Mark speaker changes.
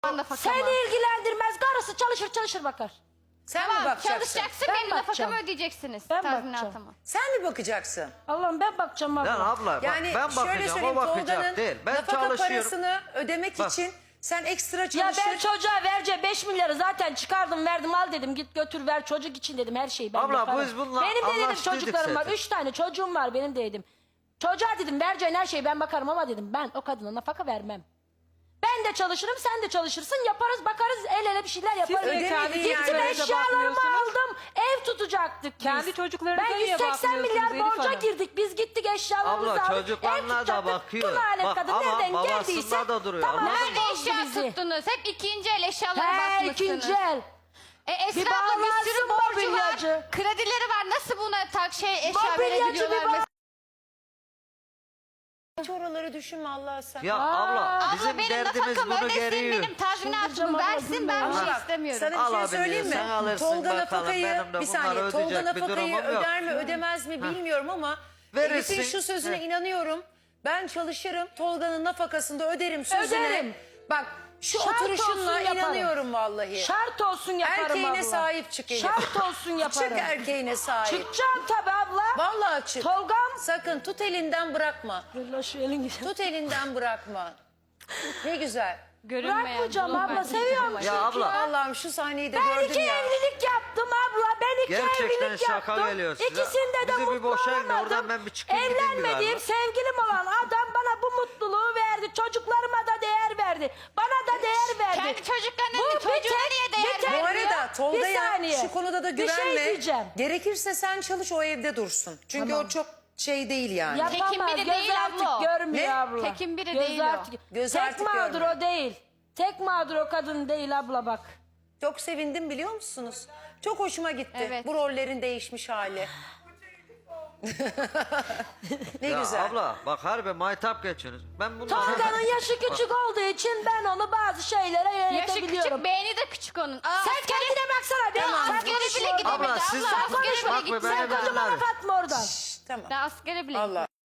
Speaker 1: Seni ilgilendirmez. Karısı çalışır bakar.
Speaker 2: Sen mi bakacaksın?
Speaker 3: Çalışacaksın,
Speaker 1: Ben
Speaker 3: benim
Speaker 1: bakacağım.
Speaker 3: nafakamı ödeyeceksiniz.
Speaker 1: Ben
Speaker 3: Tazminatıma.
Speaker 1: bakacağım.
Speaker 2: Sen mi bakacaksın?
Speaker 1: Allah'ım ben bakacağım abla.
Speaker 4: Lan abla
Speaker 2: Yani
Speaker 4: bak, ben
Speaker 2: şöyle
Speaker 4: bakacağım,
Speaker 2: söyleyeyim,
Speaker 4: o bakacak
Speaker 2: Tolga'nın
Speaker 4: değil. Ben
Speaker 2: nafaka
Speaker 4: çalışıyorum.
Speaker 2: parasını ödemek
Speaker 4: Bak.
Speaker 2: için sen ekstra
Speaker 1: Ya
Speaker 2: çalışır.
Speaker 1: ben çocuğa vereceğim 5 milyarı zaten çıkardım verdim al dedim git götür ver çocuk için dedim her şeyi ben
Speaker 4: Abla,
Speaker 1: yaparım.
Speaker 4: biz bununla
Speaker 1: benim de dedim
Speaker 4: anlaştıydık
Speaker 1: çocuklarım var
Speaker 4: zaten.
Speaker 1: 3 tane çocuğum var benim de dedim. Çocuğa dedim vereceğin her şeyi ben bakarım ama dedim ben o kadına nafaka vermem. Ben de çalışırım sen de çalışırsın yaparız bakarız el ele bir şeyler yaparız.
Speaker 2: ödemediğin
Speaker 1: Gittim
Speaker 2: yerlere de
Speaker 1: eşyalarımı
Speaker 5: bakmıyorsunuz.
Speaker 1: aldım ev tutacaktık biz.
Speaker 5: Kendi çocuklarınıza
Speaker 1: Ben
Speaker 5: niye
Speaker 1: 180 milyar
Speaker 5: bakmıyorsunuz Elif
Speaker 1: borca
Speaker 5: Hanım?
Speaker 1: girdik biz gittik eşyalarımızı
Speaker 4: Abla,
Speaker 1: aldık.
Speaker 4: çocuklarına
Speaker 1: ev
Speaker 4: da
Speaker 1: tutacaktık.
Speaker 4: bakıyor.
Speaker 1: Bu lanet
Speaker 4: Bak,
Speaker 1: kadın
Speaker 4: ama
Speaker 1: nereden
Speaker 4: babasında
Speaker 1: geldiyse
Speaker 4: da duruyor,
Speaker 1: tamam,
Speaker 4: anladın
Speaker 3: Nerede
Speaker 1: bozdu
Speaker 3: eşya
Speaker 1: bizi.
Speaker 3: tuttunuz? Hep ikinci el eşyalara
Speaker 1: He
Speaker 3: bakmışsınız.
Speaker 1: ikinci el.
Speaker 3: Esra
Speaker 1: Bir
Speaker 3: abla bir sürü
Speaker 1: bağlansın
Speaker 3: borcu var.
Speaker 1: mobilyacı.
Speaker 3: Kredileri var. Nasıl buna eşya
Speaker 1: Mobilyacı
Speaker 3: verebiliyorlar
Speaker 1: bir
Speaker 3: mesela?
Speaker 2: Hiç oraları düşünme Allah sen.
Speaker 4: Ya abla
Speaker 3: Abla
Speaker 4: bizim
Speaker 3: benim
Speaker 4: derdimiz
Speaker 3: nafakamı
Speaker 4: bunu
Speaker 3: ödesin,
Speaker 4: geriyor.
Speaker 3: benim tazminatımı
Speaker 1: Çıldıracağım abla,
Speaker 3: versin, ben bir
Speaker 1: gülme.
Speaker 3: şey
Speaker 2: Bak,
Speaker 3: istemiyorum.
Speaker 2: Sana bir şey
Speaker 4: Alabiliyor,
Speaker 2: söyleyeyim mi?
Speaker 4: sen alırsın
Speaker 2: Tolga
Speaker 4: bakalım,
Speaker 2: nafakayı
Speaker 4: benim de
Speaker 2: bir
Speaker 4: bunları
Speaker 2: saniye Tolga
Speaker 4: ödeyecek bir
Speaker 2: nafakayı
Speaker 4: durumum yok.
Speaker 2: öder mi ödemez mi bilmiyorum ama
Speaker 4: Verirsin.
Speaker 2: Elif'in şu sözüne
Speaker 4: Heh.
Speaker 2: inanıyorum. Ben çalışırım Tolga'nın nafakasını da öderim sözüne.
Speaker 1: Öderim.
Speaker 2: Bak şu
Speaker 1: Şart
Speaker 2: oturuşunla
Speaker 1: olsun yaparım.
Speaker 2: inanıyorum vallahi.
Speaker 1: Şart olsun yaparım
Speaker 2: Erkeğine
Speaker 1: abla.
Speaker 2: sahip çık Elif.
Speaker 1: Şart olsun yaparım.
Speaker 2: Çık erkeğine sahip.
Speaker 1: Çıkacağım tabii abla.
Speaker 2: Vallahi çık.
Speaker 1: Tolgam.
Speaker 2: Sakın tut elinden bırakma.
Speaker 1: Allah şu elin
Speaker 2: Tut elinden bırakma. Ne güzel.
Speaker 3: Görünmeyen,
Speaker 1: Bırakmayacağım
Speaker 3: bulunmayan
Speaker 1: abla seviyorum
Speaker 4: Ya abla.
Speaker 2: Allah'ım şu sahneyi de
Speaker 1: Ben
Speaker 2: gördüm
Speaker 1: 2
Speaker 2: ya.
Speaker 1: evlilik yaptım abla. Ben 2
Speaker 4: Gerçekten
Speaker 1: evlilik
Speaker 4: şaka
Speaker 1: yaptım.
Speaker 4: geliyor size.
Speaker 1: İkisinde de
Speaker 4: Bizi bir
Speaker 1: mutlu
Speaker 4: boşayın da
Speaker 1: olamadım.
Speaker 4: oradan ben bir çıkayım gideyim bir
Speaker 1: Evlenmediğim
Speaker 4: galiba.
Speaker 1: sevgilim olan adam bana bu mutluluğu verdi. Çocuklarıma da değer verdi. Bana da değer verdi.
Speaker 3: Kendi çocuklarına
Speaker 1: Bu
Speaker 3: değil,
Speaker 1: bir
Speaker 3: çocuğuna
Speaker 1: tek-
Speaker 3: niye değer
Speaker 1: bir tek-
Speaker 2: Bu
Speaker 3: veriyor?
Speaker 2: arada Tolga'ya
Speaker 1: saniye.
Speaker 2: şu konuda da
Speaker 1: Bir şey
Speaker 2: güvenme.
Speaker 1: diyeceğim.
Speaker 2: Gerekirse sen çalış o evde dursun. Çünkü
Speaker 1: Tamam.
Speaker 2: o çok şey değil yani.
Speaker 1: Yapamaz.
Speaker 3: Tekin biri
Speaker 1: Göz
Speaker 3: değil
Speaker 1: artık
Speaker 3: abla o.
Speaker 1: görmüyor
Speaker 2: Ne?
Speaker 1: abla.
Speaker 3: Tekin biri
Speaker 1: Göz
Speaker 3: değil o.
Speaker 1: artık-
Speaker 2: Göz
Speaker 1: Tek
Speaker 2: artık
Speaker 1: mağdur
Speaker 2: görmüyor.
Speaker 1: o değil. Tek mağdur o kadın değil abla bak.
Speaker 2: Çok sevindim biliyor musunuz? Çok hoşuma gitti.
Speaker 3: Evet.
Speaker 2: Bu rollerin değişmiş hali. Ne
Speaker 4: Ya
Speaker 2: güzel.
Speaker 4: abla bak harbi maytap geçiyorsunuz. Ben bundan
Speaker 1: Tolga'nın yaşı küçük olduğu için ben onu bazı şeylere
Speaker 3: Yaşı
Speaker 1: yönetebiliyorum.
Speaker 3: küçük, beyni de küçük onun.
Speaker 1: Sen kendine baksana be.
Speaker 2: Tamam.
Speaker 1: Sen
Speaker 3: Askere
Speaker 1: konuşma
Speaker 3: bile
Speaker 1: oradan.
Speaker 3: gidemedi
Speaker 4: Abla, siz-
Speaker 3: abla. Askere
Speaker 4: Bak be,
Speaker 3: bile
Speaker 4: beni
Speaker 3: gitmedi.
Speaker 4: ben-
Speaker 1: Sen kocama laf atma oradan.
Speaker 2: Tamam.
Speaker 3: Ben askere bile
Speaker 2: Allah.